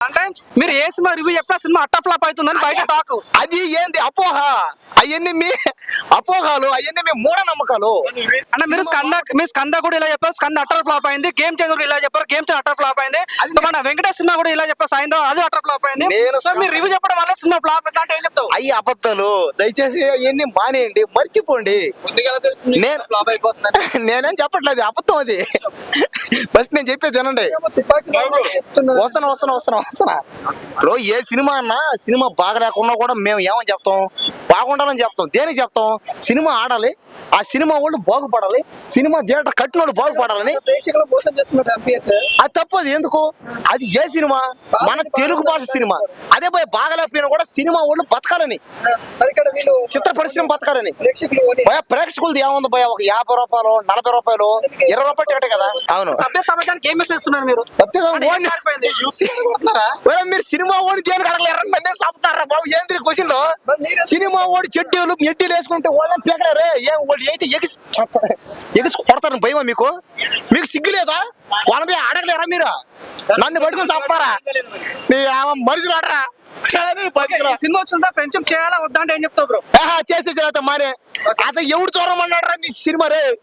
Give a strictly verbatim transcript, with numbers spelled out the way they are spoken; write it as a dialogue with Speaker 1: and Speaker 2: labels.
Speaker 1: అంటే మీరు ఏ సినిమా రివ్యూ చెప్పిన సినిమా అట్ట ఫ్లాప్ అవుతుందని బయట టాక్.
Speaker 2: అది ఏంది అపోహ, అవన్నీ మీ అపోహాలు, అవన్నీ మీ మూఢనమ్మకాలు.
Speaker 1: అంటే మీరు స్కంద మీ స్కంద కూడా ఇలా చెప్పారు, స్కంద అట్టర్ ఫ్లాప్ అయింది. గేమ్ చేంజర్ కూడా ఇలా చెప్పారు, గేమ్ చేంజర్ అట్టర్ ఫ్లాప్ అయింది. మన వెంకటేష్ సినిమా కూడా ఇలా చెప్పారు, సాయంత్రం అది అట్టర్ ఫ్లాప్ అయింది.
Speaker 2: నేను
Speaker 1: సో మీరు రివ్యూ చెప్పడం వల్ల సినిమా ఫ్లాప్ అయింది అంటే ఏం చెప్తావు?
Speaker 2: అయ్యి అబద్ధాలు, దయచేసి అవన్నీ మానేయండి, మర్చిపోండి. నేను నేనేం చెప్పట్లేదు, అబద్ధం అది. ఫస్ట్ నేను చెప్పేది వినండి. వస్తాను వస్తాను వస్తాను వస్తానా ఇప్పుడు ఏ సినిమా అన్నా సినిమా బాగా లేకున్నా కూడా మేము ఏమని చెప్తాం, బాగుండాలని చెప్తాం. దేనికి చెప్తాం? సినిమా ఆడాలి, ఆ సినిమా వాళ్ళు బాగుపడాలి, సినిమా థియేటర్ కట్టిన వాళ్ళు బాగుపడాలని. అది తప్పదు ఎందుకు? అది ఏ సినిమా? మన తెలుగు భాష సినిమా. అదే పోయి బాగలేకపోయినా కూడా సినిమా వాళ్ళు బతకాలని, చిత్ర పరిశ్రమ బతకాలని. భయ ప్రేక్షకులది ఏముంది భయ? ఒక యాభై రూపాయలు, నలభై రూపాయలు, ఇరవై రూపాయలు టికెట్ కదా. అవును,
Speaker 1: సభ్య సమాజానికి ఏం మెసేజ్ ఇస్తున్నారు మీరు?
Speaker 2: సత్యం మీరు సినిమా ఓడి దేనికి అడగలేరు, నన్నే చంపుతారా బాబు? ఏంది క్వశ్చన్ లో? సినిమా ఓడి చెడ్డీలు ఎడ్డీలు వేసుకుంటే వాళ్ళని పీకలేరే, ఏం వాళ్ళు అయితే ఎగిసి ఎగిసి కొడతారని భయమా మీకు? మీకు సిగ్గు లేదా? వాళ్ళని అడగలేరా మీరు? నన్ను పట్టుకుని చంపుతారా? నీ మనుషులు ఆడరా?
Speaker 1: సినిమా వచ్చిన ఫ్రెండ్షిప్ చేయాలా వద్దా అంటే ఏం చెప్తావు బ్రో?
Speaker 2: చేసే మానే అసలు ఎవడు చూడమన్నాడు రా నీ సినిమా రే?